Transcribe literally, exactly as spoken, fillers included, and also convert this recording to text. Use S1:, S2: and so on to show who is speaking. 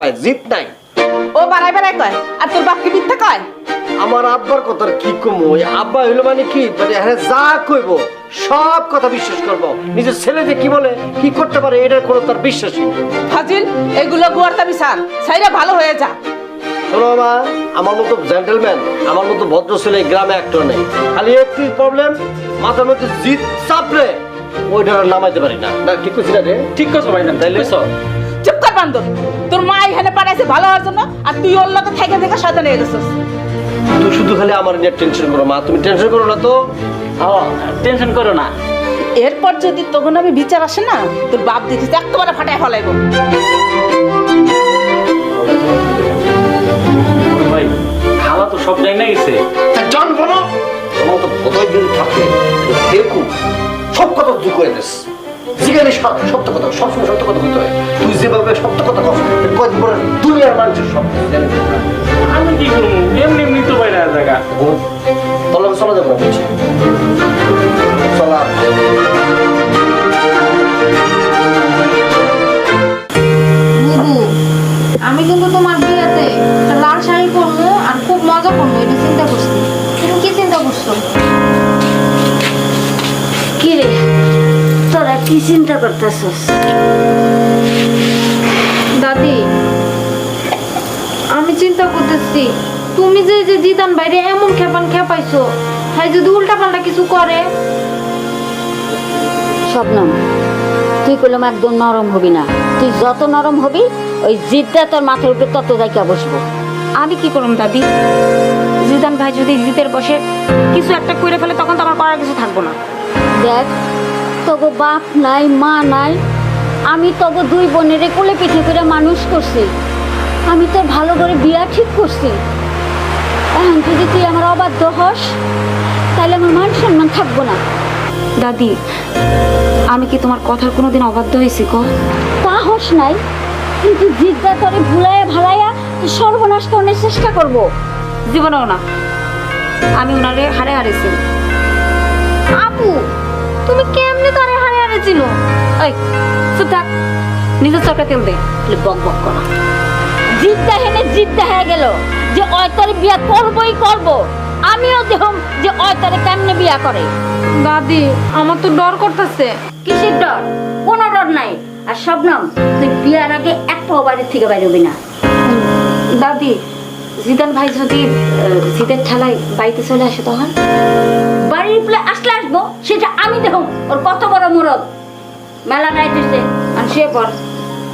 S1: জিদ নাই।
S2: ও বাড়াই বাড়াই কয় আর তোর বাপ কি মিথ্যা কয়?
S1: আমার আব্বার কথা কি কমু, ওই আব্বা হইলো মানে কি মানে হ্যাঁ যা কইব সব কথা বিশ্বাস করবো। নিজের ছেলে যে কি বলে কি করতে পারে এটার কোনো তার বিশ্বাসই নেই।
S2: ফাজিল, এগুলো গুয়ারতামি সার সাইরা ভালো হয়ে যা।
S1: শোনো মা, আমার মতো জেন্টলম্যান, আমার মতো ভদ্র ছেলে গ্রামে একটা নেই। খালি একটি প্রবলেম, মাথার মধ্যে জিদ চাপলে ওইটা নামাইতে পারি না। না ঠিক করছি না রে?
S3: ঠিক কথা ভাই না
S1: তাইলে
S2: চুপ কর বান্দর, তোর মা এখানে পাঠাইছে ভালো হওয়ার জন্য আর তুই ওর লগে থেকে থেকে শয়তান হয়ে গেছিস।
S1: তুই শুধু খালি আমার নিয়ে টেনশন করো মা, তুমি টেনশন করো না তো।
S3: টেনশন করো না।
S2: এরপর যদি তখন আমি বিচার আসে না, তোর বাপ দেখিস একেবারে ফাটায় ফলাইব।
S3: ভাই খাওয়া তো সব জানি না গেছে।
S1: জান বলো তোমার তো বোধহয় যদি থাকে দেখু সব কথা তুই করে দিস। যেখানে সত্য কথা, সবসময় সত্য কথা বলতে হয়। তুই যেভাবে সত্য কথা কস কদিন পরে দুনিয়ার মানুষের সব জানি।
S3: আমি কি করবো, এমনি এমনি তো বাইরে জায়গা
S1: তলাবে চলা যাবো না বলছি চলা।
S4: বুবু, আমি কিন্তু তোমার বিয়েতে একটা লাল শাড়ি পরবো আর খুব মজা করবো, এটা চিন্তা করছি। তুমি কি চিন্তা করছো?
S5: কি রে তোরা কি চিন্তা করতেছস?
S4: দাদি, আমি চিন্তা করতেছি তুমি যে যে জিদান বাইরে এমন খেপান খেপাইছো, হ্যাঁ যদি উল্টা পাল্টা কিছু করে।
S5: শবনম, তুই কলম একদম নরম হবি না। তুই যত নরম হবি ওই জিদটা তোর মাথার উপরে তত জায়গা বসবো।
S6: আমি কি করুম দাদি? জিদান ভাই যদি জিদের বসে কিছু একটা করে ফেলে তখন তো আমার করার কিছু থাকবো না।
S5: দেখ, তোগো বাপ নাই মা নাই, আমি তোগো দুই বোনের কোলে পিঠে করে মানুষ করছি। আমি তোর ভালো করে বিয়া ঠিক করছি। এখন যদি তুই আমার অবাধ্য হস তাহলে আমার মান সম্মান থাকবো না।
S6: দাদি, আমি কি তোমার কথার কোনোদিন অবাধ্য হয়েছি কো?
S5: তা হস নাই, কিন্তু জিদ্দা তোরে ভুলাইয়া ভালাইয়া তুই সর্বনাশ করার চেষ্টা করবো।
S6: জীবনেও না। আমি ওনারে হারে হারেছি।
S4: আপু, তুমি কেমনে তারে হারে হারেছিল?
S6: এই চুপ থাক, নিজের চরকা তেল দে।
S5: বক বক করা জিদ্দা হেনে জিদ্দা হয়ে গেল যে ওই তোর বিয়া করবই করবো। আমিও দেখুন যে ওই তোরে কেমনে বিয়া করে।
S4: দাদি, আমার তো ডর করতেছে।
S5: কিসের ডর? কোনো ডর নাই। আর শবনম, তুই বিয়ার আগে একটা বাড়ির থেকে বাইরে হবি না।
S6: দাদি, জিদান ভাই যদি জিদের ঠেলায় বাড়িতে চলে আসে তখন?
S5: বাড়ির প্লে আসলে আসবো, সেটা আমি দেখুন। ওর কত বড় মুরদ, মেলা রাইতেছে আর সে পর